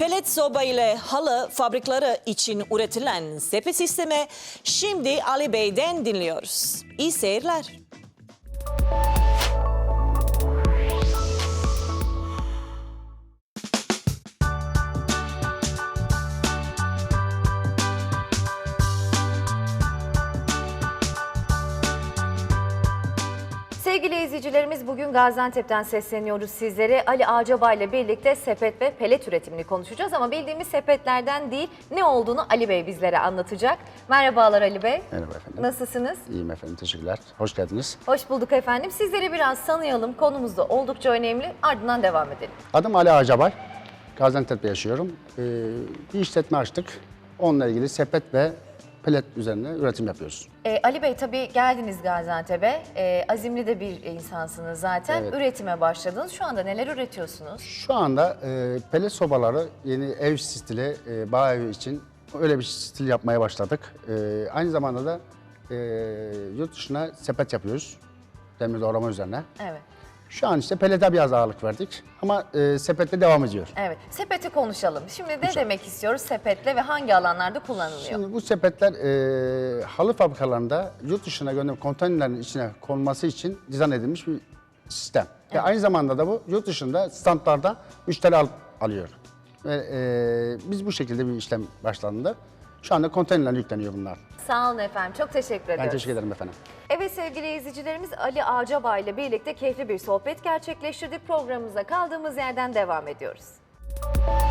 Pelet soba ile halı fabrikaları için üretilen sepet sistemi şimdi Ali Bey'den dinliyoruz. İyi seyirler. Sevgili izleyicilerimiz, bugün Gaziantep'ten sesleniyoruz sizlere. Ali Ağcabay ile birlikte sepet ve pelet üretimini konuşacağız ama bildiğimiz sepetlerden değil, ne olduğunu Ali Bey bizlere anlatacak. Merhabalar Ali Bey. Merhaba efendim. Nasılsınız? İyiyim efendim, teşekkürler. Hoş geldiniz. Hoş bulduk efendim. Sizleri biraz tanıyalım. Konumuz da oldukça önemli. Ardından devam edelim. Adım Ali Ağcabay. Gaziantep'te yaşıyorum. Bir işletme açtık. Onunla ilgili sepet ve pelet üzerine üretim yapıyoruz. Ali Bey, tabii geldiniz Gaziantep'e. Azimli de bir insansınız zaten. Evet. Üretime başladınız. Şu anda neler üretiyorsunuz? Şu anda pelet sobaları yeni ev stili, bağ evi için öyle bir stil yapmaya başladık. Aynı zamanda da yurt dışına sepet yapıyoruz. Demir doğrama üzerine. Evet. Şu an işte pelete biraz ağırlık verdik ama sepette devam ediyor. Evet. Sepeti konuşalım. Şimdi ne demek istiyoruz sepetle ve hangi alanlarda kullanılıyor? Şimdi bu sepetler halı fabrikalarında yurt dışına gönderip konteynerlerin içine konması için dizayn edilmiş bir sistem. Ve aynı zamanda da bu yurt dışında standlarda müşteri alıyor. Ve biz bu şekilde bir işlem başlandı. Şu anda konteynerler yükleniyor bunlar. Sağ olun efendim. Çok teşekkür ediyoruz. Ben teşekkür ederim efendim. Evet sevgili izleyicilerimiz, Ali Ağcabay ile birlikte keyifli bir sohbet gerçekleştirdik. Programımıza kaldığımız yerden devam ediyoruz.